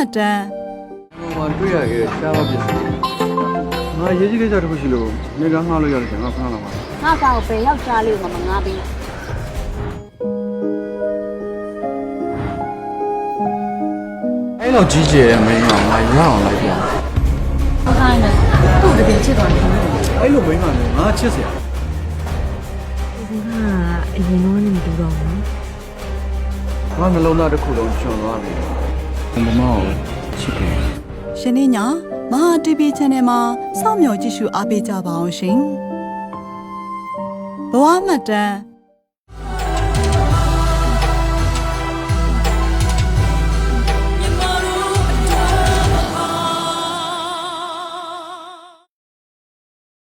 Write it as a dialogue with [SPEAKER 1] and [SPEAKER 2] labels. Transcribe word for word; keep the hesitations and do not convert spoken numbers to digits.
[SPEAKER 1] တမ်း
[SPEAKER 2] ဟိုမှာတွေ့ရခဲ့တဲ့ရှားပါပြစ်ငါရေးကြည့်ခဲ့ကြတခုရှိလို့နေကငှားလို့ရတယ်ငါခဏလောက်ပါ
[SPEAKER 3] ငါ့ကောင်ပဲယောက်ျားလေးကိုမငားပေးနဲ့
[SPEAKER 2] အဲ့လိုကြီးကျယ်တဲ့မင်းကငါရအောင်လိုက်ပြ
[SPEAKER 3] ဟုတ်တိုင်းနဲ့သူ့တကယ်ချစ်တော်တယ်
[SPEAKER 2] အဲ့လိုမင်းကလည်းငါချစ်စရာ
[SPEAKER 3] ဟာအရင်တော့နေမတူတော့ဘူး
[SPEAKER 2] ငါနှလုံးသားတစ်ခုလုံးကျွံသွားပြီဘမောချစ်တယ်
[SPEAKER 1] ရှင်နေညာမဟာ တီ ဗီ Channel မှာစောင့်မျှော်ကြည့်ရှုအားပေးကြပါအောင်ရှင်ဘဝမှတ်တမ်း